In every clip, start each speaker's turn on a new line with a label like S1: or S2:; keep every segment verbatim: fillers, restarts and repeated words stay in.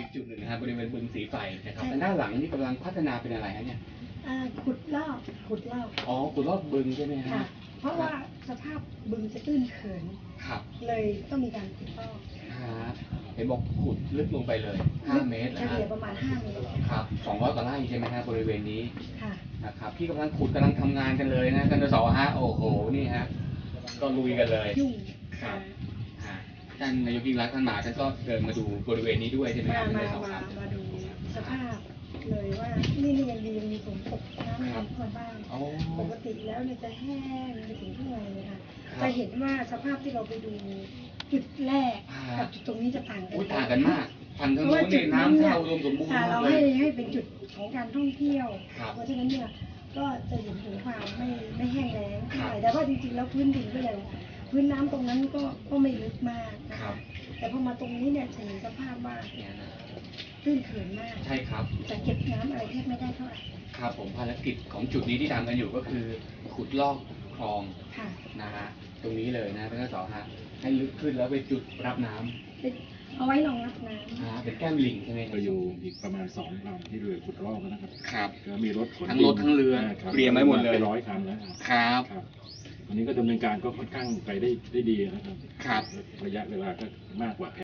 S1: จุดหนึ่งนะครับบริเวณบึงสีไฟนะครับแต่ด้านหลังนี่กำลังพัฒนาเป็นอะไรฮะเนี่ย
S2: ขุดลอกขุดลอก
S1: อ๋อขุดลอกบึงใช่ไหม
S2: ฮะเพราะว่าสภาพบึงจะตื้นเขิน
S1: ครับ
S2: เลยต้องมีการขุดลอก
S1: เห็นบอกขุดลึกลงไปเลยห้าเมตร
S2: เฉลี่ยประมาณห้าเมตร
S1: ครับสองร้อยกว่าไร่ใช่ไหมฮะบริเวณนี้
S2: ค่ะ
S1: นะครับพี่กำลังขุดกำลังทำงานกันเลยนะกันสอฮะโอ้โหนี่ฮะก็ลุยกันเลย
S2: ยุ่ง
S1: ครับท่านนายกยิ่งรักท่านมาท่านก็เดินมาดูบริเวณนี้ด้วยใช่ไหมครับ
S2: มามามาดูสภาพเลยว่านี่นี่ยังดียังมีฝนตกน้ำน้ำมาบ้างปกติแล้วเนี่ยจะแห้งไปถึงข้างในเลยค่ะจะเห็นว่าสภาพที่เราไปดูจุดแรกกับจุดตรงนี้จะต่างกัน
S1: ต่างกันมากฝั่งทางโน้นเนี่ยน้ำเข้าอุดมสมบูรณ์
S2: เราให้ให้เป็นจุดของการท่องเที่ยวเพราะฉะนั้นเนี่ยก็จะเห็นถึงความไม่ไม่แห้งแล้งเท่าไหร่แต่ว่าจริงๆแล้วพื้นดินก็ยังพื้นน้ำตรงนั้นก็ก็ไม่ลึกมากนะคะแต่พอมาตรงนี้เนี่ยจะเห็นสภาพว่าตื้นเขินมาก
S1: ใช่ครับ
S2: จะเก็บน้ำอะไรแทบไม่ได้เท่าไหร่
S1: ครับผมภารกิจของจุดนี้ที่ทำกันอยู่ก็คือขุดลอกคลองนะฮะตรงนี้เลยนะท่านสอฮะให้ลึกขึ้นแล้วไปจุดรับน้
S2: ำเอาไว้รองรับน้
S1: ำเป็นแก้มลิงใช่ไหม
S3: ก็อยู่อีกประมาณสองลำที่เรือขุดลอกนะครับ
S1: ครับ
S3: ก็มีรถขน
S1: ทั้งรถทั้งเรือเตรียมไว้หมดเลย
S3: ร้อยคันแล้ว
S1: ครับ
S3: วันนี้ก็ดำเนินการก็ค่อนข้างไปได้ได้ดีนะครับ
S1: ครับ
S3: ระยะเวลาก็มากกว่า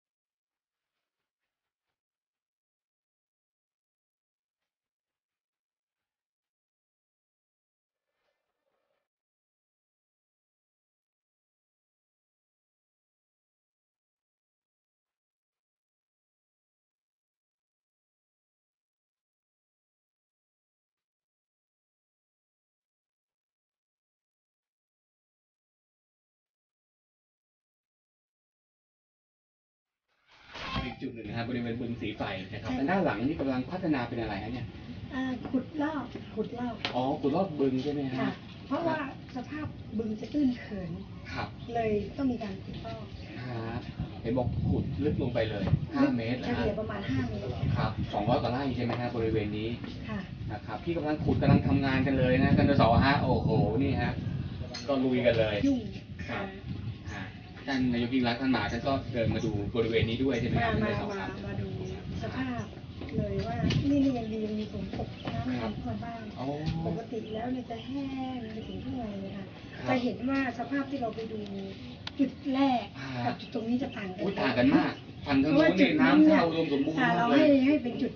S1: อีกจุดหนึ่งนะครับบริเวณบึงสีไฟนะครับแต่ด้านหลังนี่กำลังพัฒนาเป็นอะไรฮะเนี่ย
S2: ขุดลอกขุดลอก
S1: อ๋อขุดลอกบึงใช่ไหมฮะ
S2: เพราะว่าสภาพบึงจะตื้นเขิน
S1: ครับ
S2: เลยต้องมีการขุดลอก
S1: เห็นบอกขุดลึกลงไปเลยห้าเมตร
S2: เฉลี่ยประมาณห้าเมตร
S1: ครับสองร้อยกว่าไร่ใช่ไหมฮะบริเวณนี้นะครับพี่กำลังขุดกำลังทำงานกันเลยนะกันสอฮะโอ้โหนี่ฮะก็ลุยกันเลย
S2: ยุ่ง
S1: ครับท่านนายกยิ่งรักท่านมาท่านก็เดินมาดูบริเวณนี้ด้วยใช่ไหมครับ
S2: มามามาดูสภาพเลยว่านี่นี่ยังดียังมีฝนตกน้ำน้ำมาบ้างปกติแล้วเนี่ยจะแห้งไปถึงข้างในเลยค่ะจะเห็นว่าสภาพที่เราไปดูจุดแรกกับจุดตรงนี้จะต่างกัน
S1: ต่างกันมากฝั่งทางโน้นเนี่ยน้ำเข้าอุดมสมบูรณ์
S2: เราให้ให้เป็นจุด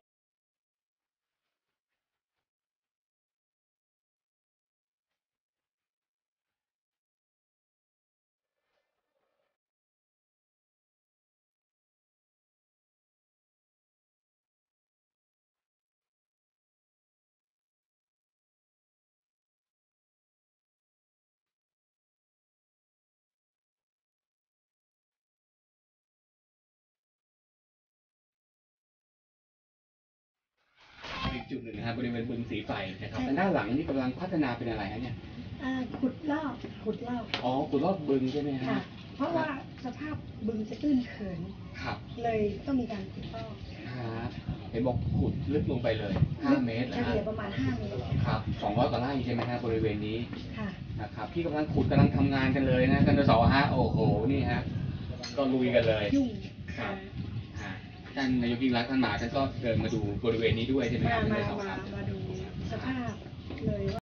S1: อีกจุดหนึ่งนะครับบริเวณบึงสีไฟนะครับแต่ด้านหลังนี่กำลังพัฒนาเป็นอะไรฮะเนี่ย
S2: ขุดลอกขุดลอก
S1: อ๋อขุดลอกบึงใช่ไหมฮะ
S2: เพราะว่าสภาพบึงจะตื้นเขิน
S1: ครับ
S2: เลยต้องมีการขุดลอก
S1: เห็นบอกขุดลึกลงไปเลยห้าเมตร
S2: เฉลี่ยประมาณห้าเมตร
S1: ครับสองร้อยกว่าไร่ใช่ไหมฮะบริเวณนี้นะครับพี่กำลังขุดกำลังทำงานกันเลยนะกันสอฮะโอ้โหนี่ฮะก็ลุยกันเลย
S2: ยุ่ง
S1: ครับท่านนายกยิ่งรักท่านมาท่านก็เดินมาดูบริเวณนี้ด้วยใช่ไหมครับ
S2: มามามาดูสภาพเลยว่า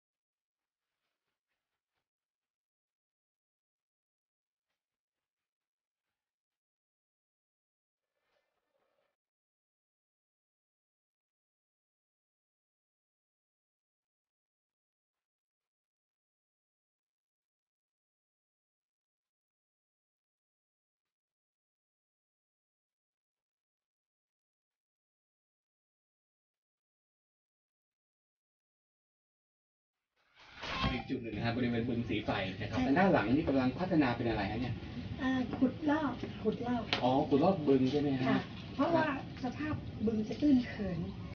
S1: อีกจุดหนึ่งนะครับบริเวณบึงสีไฟนะครับแต่ด้านหลังนี่กำลังพัฒนาเป็นอะไรฮะเนี่ย
S2: ขุดลอกขุดลอก
S1: อ๋อขุดลอกบึงใช่ไหมฮะ
S2: เพราะว่าสภาพบึงจะตื้นเขิน